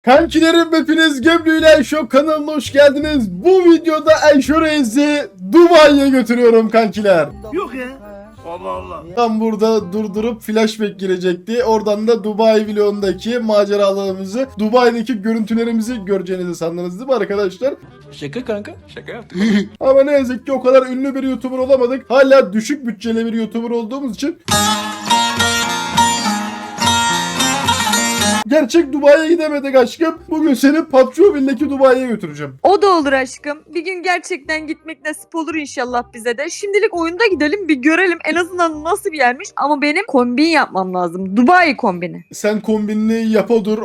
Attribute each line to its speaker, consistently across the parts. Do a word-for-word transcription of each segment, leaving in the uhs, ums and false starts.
Speaker 1: Kankilerim hepiniz Gebru ile Ayşo kanalına hoş geldiniz. Bu videoda Ayşo Reis'i Dubai'ye götürüyorum kankiler.
Speaker 2: Yok ya. Allah Allah.
Speaker 1: Tam burada durdurup flashback girecekti. Oradan da Dubai vlogundaki maceralarımızı, Dubai'deki görüntülerimizi göreceğinizi sandınız değil mi arkadaşlar?
Speaker 2: Şaka kanka. Şaka yaptım.
Speaker 1: Ama ne yazık ki o kadar ünlü bir YouTuber olamadık. Hala düşük bütçeli bir YouTuber olduğumuz için gerçek Dubai'ye gidemedik aşkım. Bugün seni Patroville'deki Dubai'ye götüreceğim.
Speaker 3: O da olur aşkım. Bir gün gerçekten gitmek nasip olur inşallah bize de. Şimdilik oyunda gidelim bir görelim en azından nasıl bir yermiş. Ama benim kombin yapmam lazım. Dubai kombini.
Speaker 1: Sen kombinini yapa dur.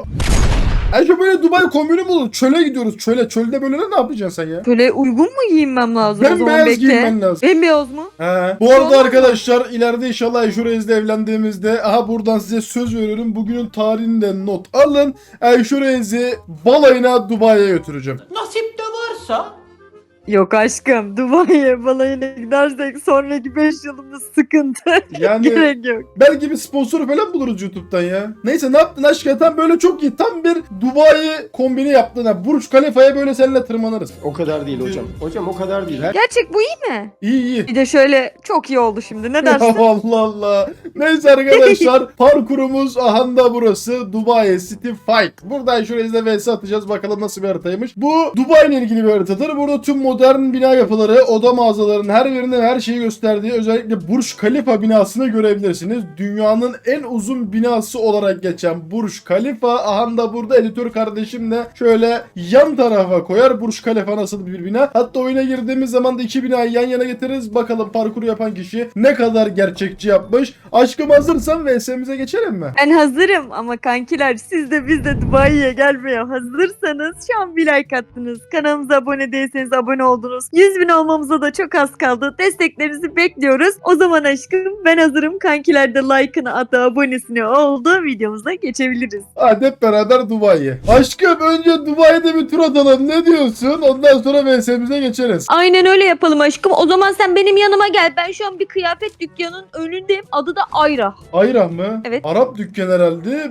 Speaker 1: Ayşe böyle Dubai kombini mi olur? Çöle gidiyoruz çöle. Çölde böyle ne yapacaksın sen ya?
Speaker 3: Böyle uygun mu giyinmem lazım o zaman
Speaker 1: Bembeyaz
Speaker 3: bekle.
Speaker 1: giyinmen lazım.
Speaker 3: Bembeyaz mı?
Speaker 1: He. Bu arada
Speaker 3: Olur mu?
Speaker 1: arkadaşlar ileride inşallah Ayşe Reis'le evlendiğimizde aha buradan size söz veriyorum. Bugünün tarihinden not alın. Ayşe Reis'i balayına Dubai'ye götüreceğim.
Speaker 2: Nasip de varsa.
Speaker 3: Yok aşkım. Dubai'ye balayına gidersek sonraki beş yılımız sıkıntı.
Speaker 1: Yani
Speaker 3: Gerek yok.
Speaker 1: belki bir sponsor falan buluruz YouTube'dan ya. Neyse ne yaptın aşkım? Tam böyle çok iyi. Tam bir Dubai kombini yaptın ha. Burj Khalifa'ya böyle seninle tırmanırız.
Speaker 4: O kadar değil hocam. Hocam o kadar değil. Her
Speaker 3: Gerçek bu iyi mi?
Speaker 1: İyi iyi.
Speaker 3: Bir de şöyle çok iyi oldu şimdi. Ne
Speaker 1: Ya
Speaker 3: dersin?
Speaker 1: Allah Allah. Neyse arkadaşlar parkurumuz ahanda burası. Dubai City Fight. Buradan şuraya izle vs atacağız. Bakalım nasıl bir haritaymış. Bu Dubai ile ilgili bir haritadır. Burada tüm modern bina yapıları, oda mağazalarının her birinin her şeyi gösterdiği özellikle Burj Khalifa binasını görebilirsiniz. Dünyanın en uzun binası olarak geçen Burj Khalifa. Ahanda burada editör kardeşim de şöyle yan tarafa koyar. Burj Khalifa nasıl bir bina. Hatta oyuna girdiğimiz zaman da iki binayı yan yana getiririz. Bakalım parkuru yapan kişi ne kadar gerçekçi yapmış. Aşkım hazırsan vs'mize geçelim mi?
Speaker 3: Ben hazırım ama kankiler siz de biz de Dubai'ye gelmeye hazırsanız şu an bir like attınız. Kanalımıza abone değilseniz abone oldunuz. yüz bin olmamıza da çok az kaldı. Desteklerinizi bekliyoruz. O zaman aşkım ben hazırım. Kankiler de like'ını attı, abonesini oldu. Videomuza geçebiliriz.
Speaker 1: Hadi hep beraber Dubai'ye. Aşkım önce Dubai'de bir tur atalım. Ne diyorsun? Ondan sonra vs'mize geçeriz.
Speaker 3: Aynen öyle yapalım aşkım. O zaman sen benim yanıma gel. Ben şu an bir kıyafet dükkanının önündeyim. Adı da Ayra.
Speaker 1: Ayrah mı?
Speaker 3: Evet.
Speaker 1: Arap dükkan herhalde.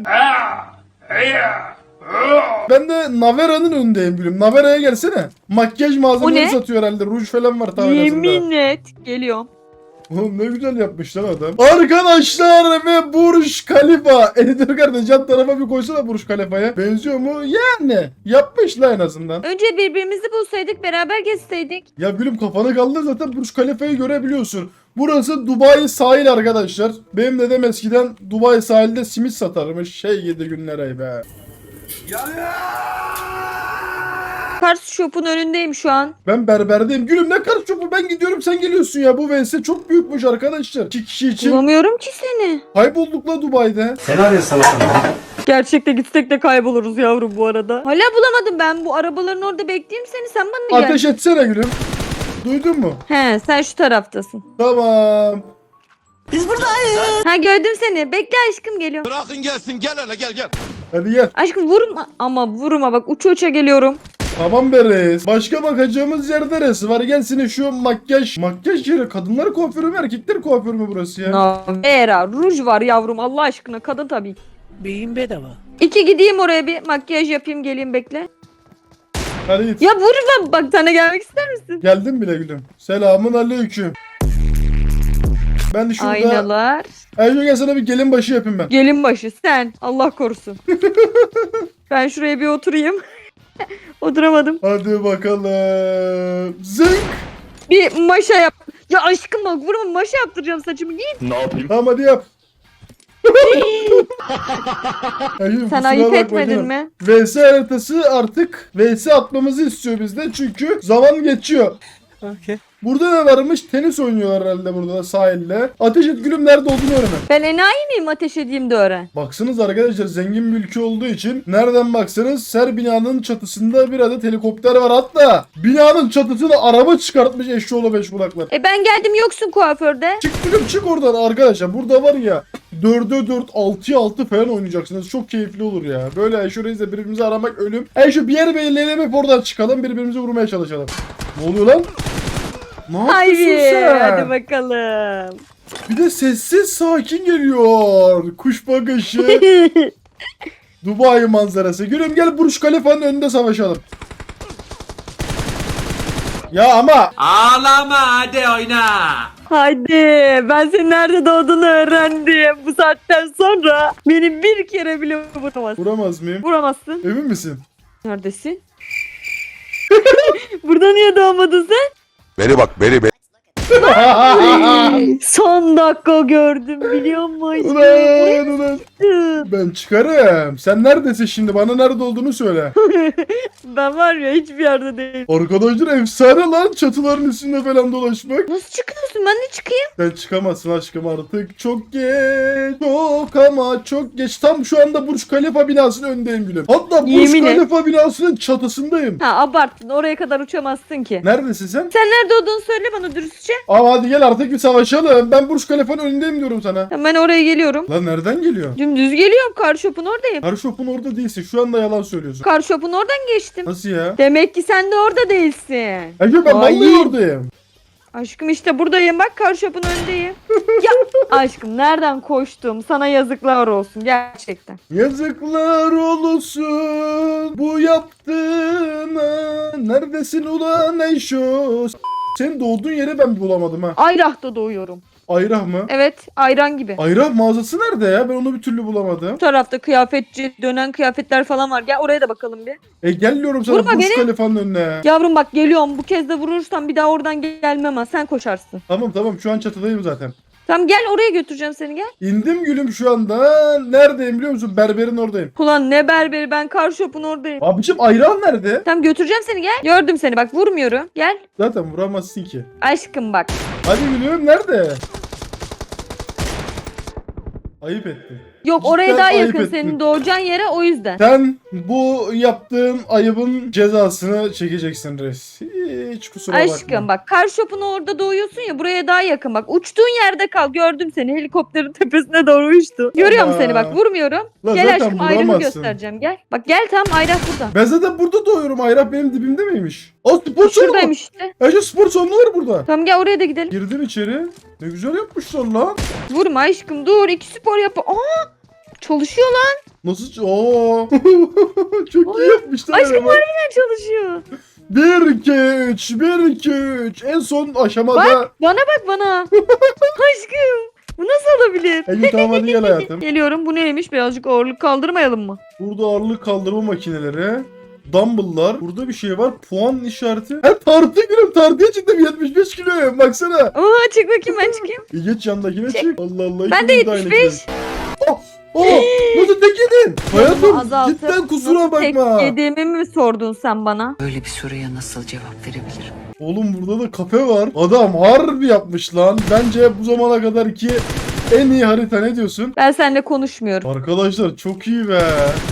Speaker 1: Ben de Navera'nın önündeyim gülüm. Navera'ya gelsene. Makyaj malzemeleri
Speaker 3: O ne?
Speaker 1: satıyor herhalde. Ruj falan var tam
Speaker 3: Yemin et. Geliyorum.
Speaker 1: Oğlum ne güzel yapmış lan adam. Arkadaşlar ve Burj Khalifa. Editör kardeş yan tarafa bir koysana Burj Khalifa'ya. Benziyor mu? Yani. Yapmışlar en azından.
Speaker 3: Önce birbirimizi bulsaydık beraber gezseydik.
Speaker 1: Ya gülüm kafanı kaldır zaten Burj Khalifa'yı görebiliyorsun. Burası Dubai sahil arkadaşlar. Benim dedem eskiden Dubai sahilde simit satarmış. Şey yedi günlere be.
Speaker 3: Kars Shop'un önündeyim şu an.
Speaker 1: Ben berberdeyim. Gülüm ne kadar çok ben gidiyorum sen geliyorsun ya. Bu vs çok büyükmüş arkadaşlar. İki kişi için
Speaker 3: Bulamıyorum ki seni.
Speaker 1: kaybolduk la Dubai'de.
Speaker 3: Gerçekte gitsek de kayboluruz yavrum bu arada. Hala bulamadım ben bu arabaların orada bekleyeyim seni sen bana gel.
Speaker 1: Ateş etsene gülüm. Duydun mu?
Speaker 3: He sen şu taraftasın.
Speaker 1: Tamam.
Speaker 3: Ha gördüm seni. Bekle aşkım geliyorum.
Speaker 5: Bırakın gelsin gel hele gel gel.
Speaker 1: Hadi gel.
Speaker 3: Aşkım vurma ama vurma bak uça uça geliyorum.
Speaker 1: Tamam be reis. Başka bakacağımız yer neresi var? Gel seni şu makyaj. Makyaj yeri. Kadınlar kuaförü mü erkekler kuaförü mü burası ya?
Speaker 3: Navera ruj var yavrum Allah aşkına kadın tabii.
Speaker 2: Beyin bedava.
Speaker 3: İki gideyim oraya bir makyaj yapayım geleyim bekle.
Speaker 1: Hadi git.
Speaker 3: Ya vurma bak sana gelmek ister misin?
Speaker 1: Geldim bile gülüm. Selamun aleyküm. Ben de şurada...
Speaker 3: Aynalar.
Speaker 1: Ayşe gel sana bir gelin başı yapayım ben.
Speaker 3: Gelin başı sen Allah korusun. Ben şuraya bir oturayım. Oturamadım.
Speaker 1: Hadi bakalım. Zınk.
Speaker 3: Bir maşa yap. Ya aşkım bak vurma maşa yaptıracağım saçımı giy.
Speaker 1: Tamam hadi yap. Ayşe,
Speaker 3: Sen
Speaker 1: kusura
Speaker 3: ayıp
Speaker 1: bakma
Speaker 3: etmedin
Speaker 1: canım.
Speaker 3: mi?
Speaker 1: vs haritası artık vs atmamızı istiyor bizden çünkü zaman geçiyor.
Speaker 2: Okay.
Speaker 1: Burada ne varmış? Tenis oynuyorlar herhalde burada da sahilde. Ateş et gülüm nerede olduğunu öğren.
Speaker 3: Ben enayi miyim ateş edeyim de öğren.
Speaker 1: Baksanız arkadaşlar zengin bir ülke olduğu için nereden baksanız her binanın çatısında bir adet helikopter var. Hatta binanın çatısına araba çıkartmış eşşoğlu beş kulaklar.
Speaker 3: E ben geldim yoksun kuaförde.
Speaker 1: Çık gülüm çık oradan arkadaşlar. Burada var ya dörde dört altıya altı falan oynayacaksınız. Çok keyifli olur ya. Böyle Ayşe Reis'le birbirimizi aramak ölüm. Ayşe bir yer belirleyelim hep oradan çıkalım. Birbirimizi vurmaya çalışalım. Ne oluyor lan? Ne yapıyorsun
Speaker 3: Haydi
Speaker 1: sen?
Speaker 3: hadi bakalım.
Speaker 1: Bir de sessiz sakin geliyor. Kuş bakışı. Dubai manzarası. Gülüm gel Burj Khalifa'nın önünde savaşalım. Ya ama
Speaker 2: Ağlama hadi oyna.
Speaker 3: Haydi ben senin nerede doğduğunu öğrendim. Bu saatten sonra beni bir kere bile vuramazsın.
Speaker 1: vuramaz mıyım?
Speaker 3: Vuramazsın.
Speaker 1: Emin misin?
Speaker 3: Neredesin? Burada niye doğmadın sen?
Speaker 5: Beni bak beni beni.
Speaker 3: Son dakika gördüm biliyor musun?
Speaker 1: Ulan ulan. Ben çıkarım. Sen neredesin şimdi? Bana nerede olduğunu söyle.
Speaker 3: Ben var ya hiçbir yerde değilim.
Speaker 1: Arkadaşlar efsane lan çatıların üstünde falan dolaşmak.
Speaker 3: Nasıl çıkıyorsun? Ben de çıkayım.
Speaker 1: Sen çıkamazsın aşkım artık. Çok geç. Çok ama çok geç. Tam şu anda Burj Khalifa binasının önündeyim gülüm. Hatta Burj
Speaker 3: Yemin et.
Speaker 1: Khalifa binasının çatısındayım.
Speaker 3: Ha abarttın. Oraya kadar uçamazsın ki.
Speaker 1: Neredesin sen?
Speaker 3: Sen nerede olduğunu söyle bana dürüstçe.
Speaker 1: Ama hadi gel artık bir savaşalım. Ben Burj Khalifa'nın önündeyim diyorum sana.
Speaker 3: Ben oraya geliyorum.
Speaker 1: Lan nereden geliyor?
Speaker 3: Dümdüz geliyorum. Car shop'un oradayım.
Speaker 1: Her shop'un orada değilsin. Şu anda yalan söylüyorsun.
Speaker 3: Car shop'un oradan geçtim.
Speaker 1: Nasıl ya?
Speaker 3: Demek ki sen de orada değilsin.
Speaker 1: Ece ben
Speaker 3: Ay.
Speaker 1: vallahi oradayım.
Speaker 3: Aşkım işte buradayım bak car shop'un önündeyim. Ya aşkım nereden koştum? Sana yazıklar olsun gerçekten.
Speaker 1: Yazıklar olsun bu yaptığına. Neredesin ulan Eyşo? Senin doğduğun yeri ben bulamadım ha.
Speaker 3: Ayrah'ta doğuyorum.
Speaker 1: Ayrah mı?
Speaker 3: Evet ayran gibi.
Speaker 1: Ayrah mağazası nerede ya? Ben onu bir türlü bulamadım.
Speaker 3: Bu tarafta kıyafetçi dönen kıyafetler falan var. Gel oraya da bakalım bir.
Speaker 1: E gel diyorum sana
Speaker 3: Vurma
Speaker 1: Burj
Speaker 3: beni.
Speaker 1: Khalifa'nın önüne.
Speaker 3: Yavrum bak geliyorum. Bu kez de vurursan bir daha oradan gelmem ha. Sen koşarsın.
Speaker 1: Tamam tamam şu an çatıdayım zaten.
Speaker 3: Tamam gel oraya götüreceğim seni gel.
Speaker 1: İndim gülüm şu anda. Neredeyim biliyor musun? Berberin oradayım.
Speaker 3: Ulan ne berberi ben car shop'un oradayım.
Speaker 1: Abicim ayran nerede?
Speaker 3: Tamam götüreceğim seni gel. Gördüm seni bak vurmuyorum. Gel.
Speaker 1: Zaten vuramazsın ki.
Speaker 3: Aşkım bak.
Speaker 1: Hadi gülüm nerede? Ayıp ettin.
Speaker 3: Yok
Speaker 1: Cidden
Speaker 3: oraya daha
Speaker 1: ayıp
Speaker 3: yakın
Speaker 1: ettin.
Speaker 3: senin doğacağın yere o yüzden.
Speaker 1: Sen bu yaptığın ayıbın cezasını çekeceksin res. Hiç kusura bakma.
Speaker 3: Aşkım bak car shop'un orada doğuyorsun ya buraya daha yakın bak. Uçtuğun yerde kal gördüm seni helikopterin tepesine doğru uçtu. Görüyorum
Speaker 1: Ama.
Speaker 3: seni bak vurmuyorum.
Speaker 1: Lan
Speaker 3: Gel
Speaker 1: zaten
Speaker 3: aşkım ayrımı
Speaker 1: vuramazsın.
Speaker 3: göstereceğim gel. Bak gel tam ayrı burada.
Speaker 1: Ben zaten burada doğuyorum. Ayrah benim dibimde miymiş? Aa spor salonu.
Speaker 3: Şuradaymış işte.
Speaker 1: Ece spor salonu var burada.
Speaker 3: Tamam gel oraya da gidelim.
Speaker 1: Girdim içeri. Ne güzel yapmışlar lan.
Speaker 3: Vurma aşkım dur iki spor yap. Aa çalışıyor lan.
Speaker 1: Nasıl? Oo. Çok iyi yapmışlar.
Speaker 3: Aşkım
Speaker 1: ama.
Speaker 3: harbiden çalışıyor.
Speaker 1: bir iki üç bir iki üç En son aşamada.
Speaker 3: Bana bak bana. Aşkım bu nasıl olabilir?
Speaker 1: Ece tamam hadi gel hayatım.
Speaker 3: Geliyorum bu neymiş birazcık ağırlık kaldırmayalım mı?
Speaker 1: Burada ağırlık kaldırma makineleri. Dumbbell'lar. Burada bir şey var. Puan işareti. Ha tartı gülüm. Tartıya çıktım. yetmiş beş kiloyum. Baksana.
Speaker 3: Aa çık bakayım ben çıkayım.
Speaker 1: E geç yandakine çık. Allah Allah.
Speaker 3: Ben de
Speaker 1: ikimiz aynı
Speaker 3: yetmiş beş.
Speaker 1: kiloyuz. Oh, oh, nasıl tek yedin? Hayatım
Speaker 3: Azaltıp
Speaker 1: cidden kusura
Speaker 3: nasıl
Speaker 1: bakma.
Speaker 3: tek yediğimi mi sordun sen bana?
Speaker 6: Böyle bir soruya nasıl cevap verebilirim?
Speaker 1: Oğlum burada da kafe var. Adam harbi yapmış lan. Bence bu zamana kadar ki en iyi harita, ne diyorsun?
Speaker 3: Ben seninle konuşmuyorum.
Speaker 1: Arkadaşlar çok iyi be.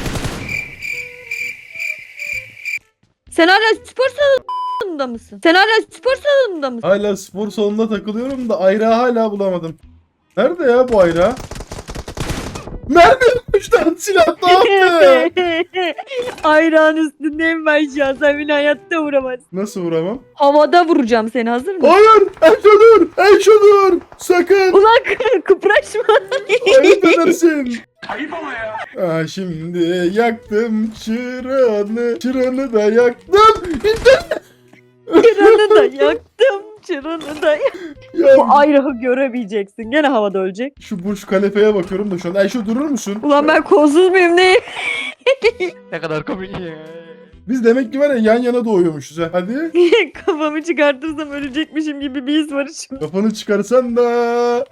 Speaker 3: Sen hala spor salonunda mısın? Sen hala spor salonunda mısın?
Speaker 1: Hala spor salonunda takılıyorum da ayrağı hala bulamadım. Nerede ya bu ayrağı? Nerede yapmışlar silahla attı?
Speaker 3: Ayrağın üstündeyim ben şu an. Sen beni hayatta vuramazsın.
Speaker 1: Nasıl vuramam?
Speaker 3: Havada vuracağım seni hazır mısın?
Speaker 1: Hayır! Ayşe dur! Ayşe dur! Sakın!
Speaker 3: Ulan kı- kıpraşma.
Speaker 1: Ayıp edersin. Ayıp ama ya. Aa, şimdi yaktım çırağını. Çırağını da yaktım.
Speaker 3: Çıranı da yaktım. Çıranı da yaktım.
Speaker 1: Ya
Speaker 3: Bu ayrağı göremeyeceksin. Gene havada ölecek.
Speaker 1: şu Burj Khalifa'ya bakıyorum da şu an. Ayşe durur musun?
Speaker 3: Ulan ben kolsuz muyum ne?
Speaker 2: Ne kadar komik ya.
Speaker 1: Biz demek ki var ya yan yana doğuyormuşuz ha. Hadi.
Speaker 3: Kafamı çıkartırsam ölecekmişim gibi bir his var şimdi.
Speaker 1: Kafanı çıkarsan da.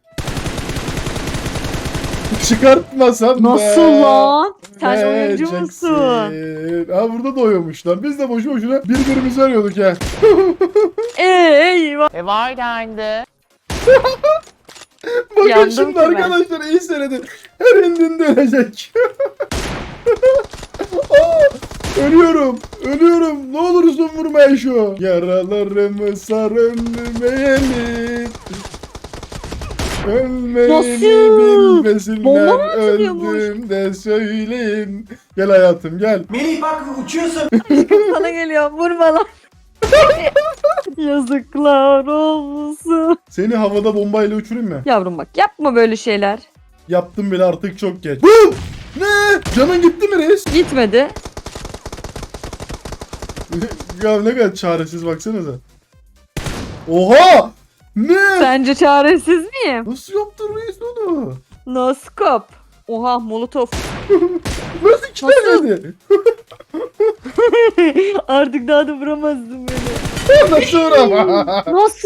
Speaker 1: Çıkartmasan da.
Speaker 3: Nasıl lan? Sen
Speaker 1: Ne
Speaker 3: oyuncu
Speaker 1: Jackson?
Speaker 3: musun?
Speaker 1: Ha burada doğuyormuşlar. Biz de boşu boşuna birbirimizi arıyorduk ya.
Speaker 3: Eyvah.
Speaker 7: E var dendi.
Speaker 1: Bakın
Speaker 3: Yandım
Speaker 1: şimdi
Speaker 3: ki ben.
Speaker 1: arkadaşlar iyi seyredin. Her indiğinde ölecek. Aa, ölüyorum. Ölüyorum. Ne olursun vurma şu. Yaralarımı sarılmayalım. Ölmeyi
Speaker 3: Nasıl?
Speaker 1: bilmesinler.
Speaker 3: Bomba mı atılıyormuş?
Speaker 1: Öldüm de söyleyin. Gel hayatım gel.
Speaker 3: Sana geliyor vurma lan. Yazıklar olsun.
Speaker 1: Seni havada bombayla uçurayım mı?
Speaker 3: Yavrum bak yapma böyle şeyler.
Speaker 1: Yaptım bile artık çok geç. Bum! Ne? Canın gitti mi reis?
Speaker 3: Gitmedi.
Speaker 1: Ya ne kadar çaresiz baksanıza. Oha! Ne?
Speaker 3: Sence çaresiz miyim?
Speaker 1: Nasıl yaptın reis onu?
Speaker 3: No scope. Oha molotof.
Speaker 1: Nasıl iki
Speaker 3: Nasıl?
Speaker 1: tane?
Speaker 3: Artık daha da vuramazdım beni.
Speaker 1: Nasıl uğram?
Speaker 3: Nasıl?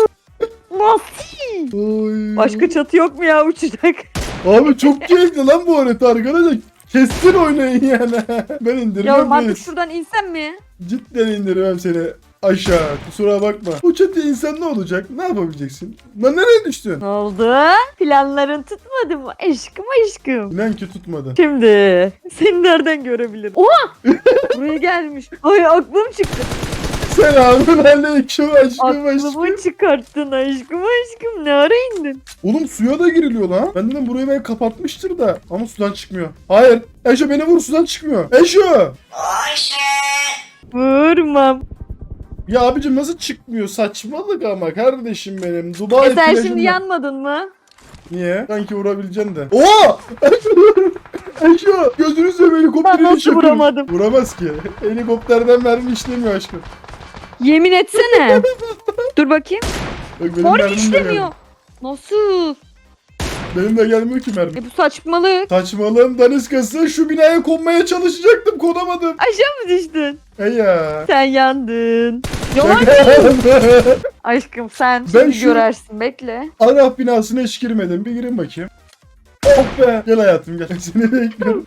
Speaker 3: Nasıl?
Speaker 1: Oy.
Speaker 3: Başka çatı yok mu ya uçacak?
Speaker 1: Abi çok keyifli lan bu harita arkadaşlar. Kestin oynayın yani. Ben indirmem
Speaker 3: Yavrum artık
Speaker 1: reis.
Speaker 3: şuradan insem mi?
Speaker 1: Cidden indirmem seni aşağı. Kusura bakma. Bu çatıya insan ne olacak? Ne yapabileceksin? Lan nereye düştün?
Speaker 3: Ne oldu? Planların tutmadı mı? Aşkım aşkım.
Speaker 1: İnan ki tutmadı.
Speaker 3: Şimdi seni nereden görebilirim? Oha! Buraya gelmiş. Ay aklım çıktı.
Speaker 1: Selamun aleyküm aşkım aşkım.
Speaker 3: Aklımı çıkarttın aşkım aşkım. Ne ara indin?
Speaker 1: Oğlum suya da giriliyor lan. Ben dedim burayı ben kapatmıştır da. Ama sudan çıkmıyor. Hayır. Eşo beni vur, sudan çıkmıyor. Eşo.
Speaker 3: Vurmam.
Speaker 1: Ya abicim nasıl çıkmıyor? Saçmalık ama kardeşim benim. Dubai
Speaker 3: E sen
Speaker 1: plajında-
Speaker 3: şimdi yanmadın mı?
Speaker 1: Niye? Sanki vurabileceksin de. Oo! Eşo! Gözünü seveyim
Speaker 3: Ben
Speaker 1: helikopterini
Speaker 3: nasıl
Speaker 1: çakıyor.
Speaker 3: vuramadım?
Speaker 1: Vuramaz ki. Helikopterden mermi işlemiyor aşkım.
Speaker 3: Yemin etsene. Dur bakayım.
Speaker 1: Bak benim
Speaker 3: Mor
Speaker 1: mermim de
Speaker 3: işlemiyor.
Speaker 1: gelmiyor.
Speaker 3: Nasıl?
Speaker 1: Benim de gelmiyor ki mermi.
Speaker 3: E bu saçmalık.
Speaker 1: Saçmalığım daniskası, şu binaya konmaya çalışacaktım, konamadım.
Speaker 3: Aşağı mı düştün?
Speaker 1: Hey ya.
Speaker 3: Sen yandın. Yalan.
Speaker 1: Şaka.
Speaker 3: Aşkım sen
Speaker 1: Ben
Speaker 3: şimdi
Speaker 1: şu-
Speaker 3: görersin bekle.
Speaker 1: Arap binasına hiç girmedim. Bir girin bakayım. Oh be. Gel hayatım gel. Seni bekliyorum.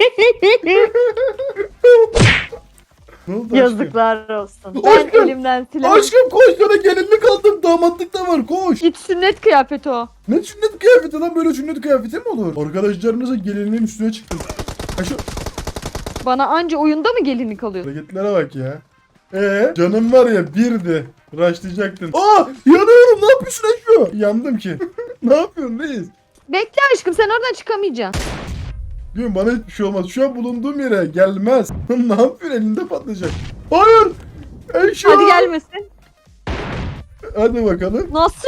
Speaker 1: Ne oldu aşkım?
Speaker 3: Yazıklar olsun. Ben
Speaker 1: Aşkım,
Speaker 3: elimden silahı...
Speaker 1: Aşkım koş, sana gelinlik aldım. Damatlık da var, koş.
Speaker 3: Git sünnet kıyafeti o.
Speaker 1: Ne sünnet kıyafeti lan, böyle sünnet kıyafeti mi olur? Arkadaşlarınızla gelinliğin üstüne çıktım. Ha şu
Speaker 3: Bana anca oyunda mı gelinlik alıyor?
Speaker 1: hareketlere bak ya. Ee, canım var ya birdi. Raşlayacaktın. Aa, yanıyorum, ne yapıyorsun Eşo? Yandım ki. Ne yapıyorsun reis?
Speaker 3: Bekle aşkım sen oradan çıkamayacaksın.
Speaker 1: Diyorum bana hiçbir şey olmaz. Şu an bulunduğum yere gelmez. Ne yapıyorsun, elinde patlayacak. Hayır. Eşo.
Speaker 3: Hadi gelmesin.
Speaker 1: Hadi bakalım.
Speaker 3: Nasıl?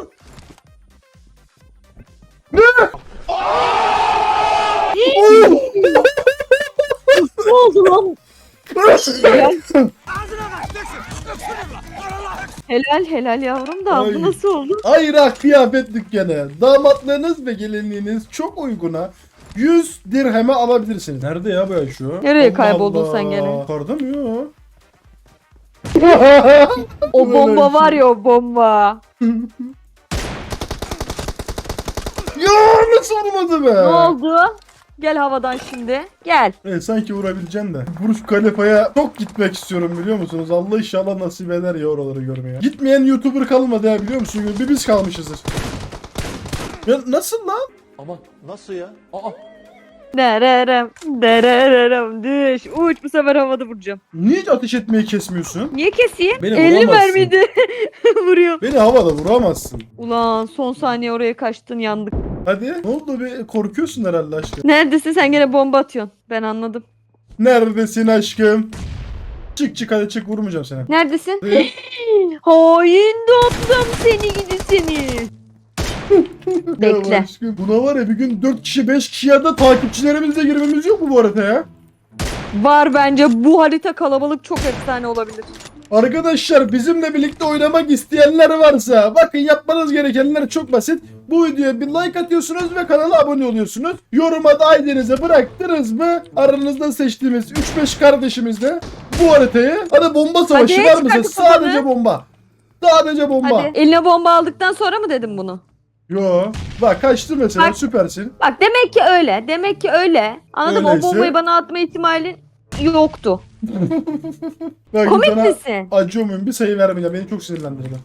Speaker 1: Oh!
Speaker 3: Ne oldu lan? Helal. Helal helal yavrum da
Speaker 1: Ay.
Speaker 3: bu nasıl oldu?
Speaker 1: Ayra kıyafet dükkanı. Damatlığınız ve gelinliğiniz çok uyguna yüz dirheme alabilirsiniz. Nerede ya bu şu?
Speaker 3: Nereye kayboldun sen gene?
Speaker 1: Yukarıda mı ya?
Speaker 3: O
Speaker 1: Böyle
Speaker 3: bomba
Speaker 1: bir şey.
Speaker 3: var ya o bomba.
Speaker 1: Ya nasıl vurmadı be?
Speaker 3: Ne oldu? Gel havadan şimdi. Gel.
Speaker 1: Evet, sanki vurabileceksin de. Burj Khalifa'ya çok gitmek istiyorum, biliyor musunuz? Allah inşallah nasip eder ya oraları görmeye. Gitmeyen YouTuber kalmadı ya, biliyor musun? Bir biz kalmışızdır. Ya nasıl lan?
Speaker 5: Ama nasıl ya? Aa.
Speaker 3: Dererem, dererem, düş, uç bu sefer havada vuracağım.
Speaker 1: Niye hiç ateş etmeyi kesmiyorsun?
Speaker 3: Niye keseyim?
Speaker 1: Beni
Speaker 3: elli
Speaker 1: vuramazsın.
Speaker 3: mermiydi. Vuruyor.
Speaker 1: Beni havada vuramazsın.
Speaker 3: Ulan son saniye oraya kaçtın yandık.
Speaker 1: Hadi. Ne oldu be? Korkuyorsun herhalde aşkım.
Speaker 3: Neredesin sen gene bomba atıyorsun. Ben anladım.
Speaker 1: Neredesin aşkım? Çık çık hadi çık, vurmayacağım seni.
Speaker 3: Neredesin?
Speaker 1: Evet.
Speaker 3: Hain domdom seni gidi seni. Bekle.
Speaker 1: Ya aşkım, buna var ya bir gün dört kişi beş kişi ya da takipçilerimizle girmemiz yok mu bu arada ya?
Speaker 3: Var bence bu harita kalabalık çok efsane olabilir.
Speaker 1: Arkadaşlar bizimle birlikte oynamak isteyenler varsa bakın, yapmanız gerekenler çok basit. Bu videoya bir like atıyorsunuz ve kanala abone oluyorsunuz. Yoruma da I D'nize bıraktınız mı aranızda seçtiğimiz üç beş kardeşimizle bu haritayı, hadi bomba savaşı
Speaker 3: Hadi,
Speaker 1: var
Speaker 3: çıkar
Speaker 1: mısın?
Speaker 3: kafanı.
Speaker 1: Sadece bomba. Sadece bomba.
Speaker 3: Hadi. Eline bomba aldıktan sonra mı dedim bunu?
Speaker 1: Yo. Bak kaçtı mesela,
Speaker 3: Bak.
Speaker 1: süpersin.
Speaker 3: Bak demek ki öyle. Demek ki öyle. Anladım,
Speaker 1: Öyleyse-
Speaker 3: o bombayı bana atma ihtimalin yoktu.
Speaker 1: Bak,
Speaker 3: Komik
Speaker 1: sana
Speaker 3: misin?
Speaker 1: acıyor muyum? Bir sayı vermeyeceğim. Beni çok sinirlendirdi.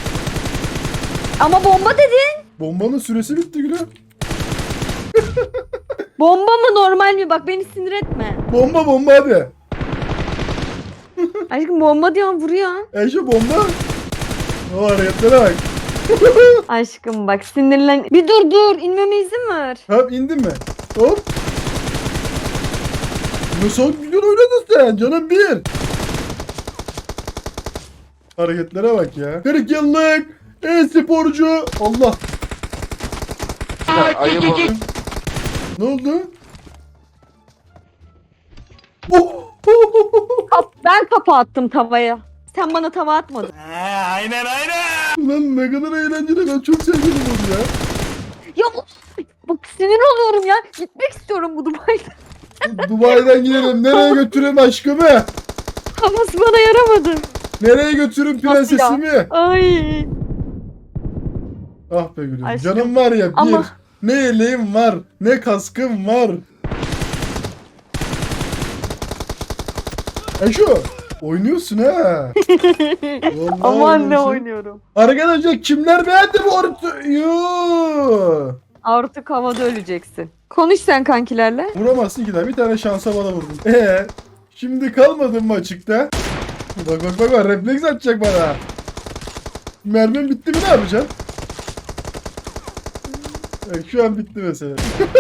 Speaker 3: Ama bomba dedin.
Speaker 1: Bombanın süresi bitti gülüm.
Speaker 3: Bomba mı normal mi? Bak beni sinir etme.
Speaker 1: Bomba bomba hadi.
Speaker 3: Aşkım bomba diyorsun vuruyor.
Speaker 1: Eşe bomba. O hareketlere bak.
Speaker 3: Aşkım bak sinirlen. Bir dur dur inmeme izin ver.
Speaker 1: Hop, indin mi? Hop. Nasıl güzel oynadın sen canım bir. Hareketlere bak ya. kırk yıllık e-sporcu. Allah.
Speaker 5: Ayıp oldu.
Speaker 1: Ne oldu? Oh!
Speaker 3: Kap- ben kafa attım tavaya. Sen bana tava atmadın.
Speaker 1: Ulan ne kadar eğlenceli, ben çok sevdim onu ya.
Speaker 3: Ya bak sinir oluyorum ya. Gitmek istiyorum bu Dubai'den.
Speaker 1: Dubai'den gidelim. Nereye götüreyim aşkımı?
Speaker 3: Havası bana yaramadı.
Speaker 1: Nereye götürün prensesimi?
Speaker 3: Ay.
Speaker 1: Ah be gülüm.
Speaker 3: Aşkım.
Speaker 1: Canım var ya bir.
Speaker 3: Ama-
Speaker 1: Ne yeleğim var. Ne kaskım var. E şu. Oynuyorsun ha. Vallahi
Speaker 3: Aman ne
Speaker 1: oynuyorsun.
Speaker 3: oynuyorum.
Speaker 1: Arkadaşlar kimler beğendi bu ortayı?
Speaker 3: Artık havada öleceksin. Konuş sen kankilerle.
Speaker 1: Vuramazsın ki daha. Bir tane şansa bana vurdun. Ee, şimdi kalmadın mı açıkta? Bak bak bak bak, refleks atacak bana. Mermim bitti mi, ne yapacaksın? Evet, şu an bitti mesela.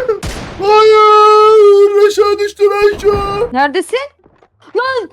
Speaker 1: Hayır! Aşağı düştüm aşağı.
Speaker 3: Neredesin? Lan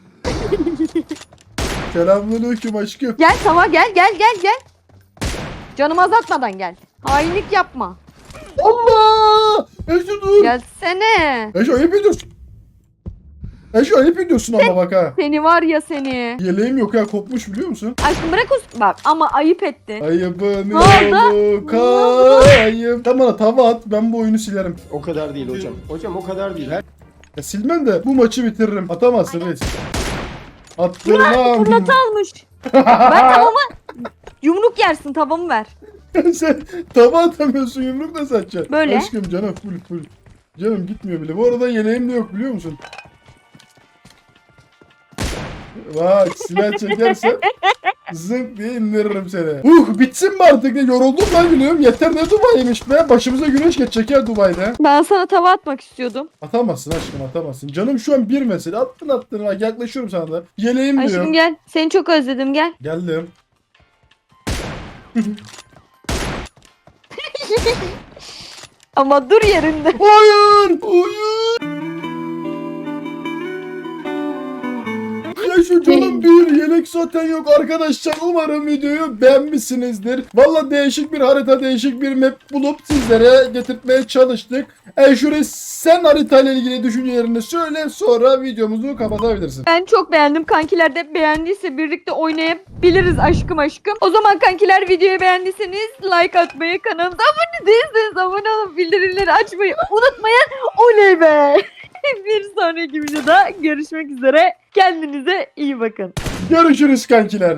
Speaker 1: Selamünaleyküm aşkım.
Speaker 3: gel tava gel gel gel gel. Canımı azaltmadan gel. Hainlik yapma.
Speaker 1: Allah! Eşo dur.
Speaker 3: Gelsene.
Speaker 1: Eşo ayıp ediyorsun. Eşo ayıp ediyorsun ama bak ha.
Speaker 3: Seni var ya seni.
Speaker 1: Yeleğim yok ya, kopmuş biliyor musun?
Speaker 3: Aşkım bırak o... Bak ama ayıp ettin.
Speaker 1: Ayıbın
Speaker 3: Ne oldu?
Speaker 1: yolu kayıp. Tamam bana tava at, ben bu oyunu silerim.
Speaker 4: O kadar değil hocam. Hocam o kadar değil. Her
Speaker 1: Ya silmem de bu maçı bitiririm. Atamazsın reis. Attırmam.
Speaker 3: Fırlatı almış. Ben tavama yumruk yersin, tavamı ver.
Speaker 1: Sen tava atamıyorsun, yumruk da satacaksın.
Speaker 3: Böyle.
Speaker 1: Aşkım canım full full. Canım gitmiyor bile. Bu arada yeleğim de yok biliyor musun? Bak silah çekersen zınk diye indiririm seni. Uh bitsin mi artık, ne yoruldum lan gülüyorum. Yeter, ne Dubai'ymiş be. Başımıza güneş geçecek ya Dubai'de.
Speaker 3: Ben sana tava atmak istiyordum.
Speaker 1: Atamazsın aşkım, atamazsın. Canım şu an bir mesele. Attın attın. Bak yaklaşıyorum sana da. Yeleğim diyor.
Speaker 3: Aşkım gel. Seni çok özledim, gel.
Speaker 1: Geldim.
Speaker 3: Ama dur yerinde.
Speaker 1: Hayır! Hayır! Ya şu canım bir yelek zaten yok arkadaşlar. Umarım videoyu beğenmişsinizdir. Valla değişik bir harita, değişik bir map bulup sizlere getirtmeye çalıştık. E şuraya sen haritayla ilgili düşüncelerini söyle, sonra videomuzu kapatabilirsin.
Speaker 3: Ben çok beğendim. Kankiler de beğendiyse birlikte oynayabiliriz aşkım aşkım. O zaman kankiler, videoyu beğendiyseniz like atmayı, kanalımıza abone değilseniz abone olup bildirimleri açmayı unutmayın. Oley be! Bir sonraki videoda görüşmek üzere. Kendinize iyi bakın.
Speaker 1: Görüşürüz kankiler.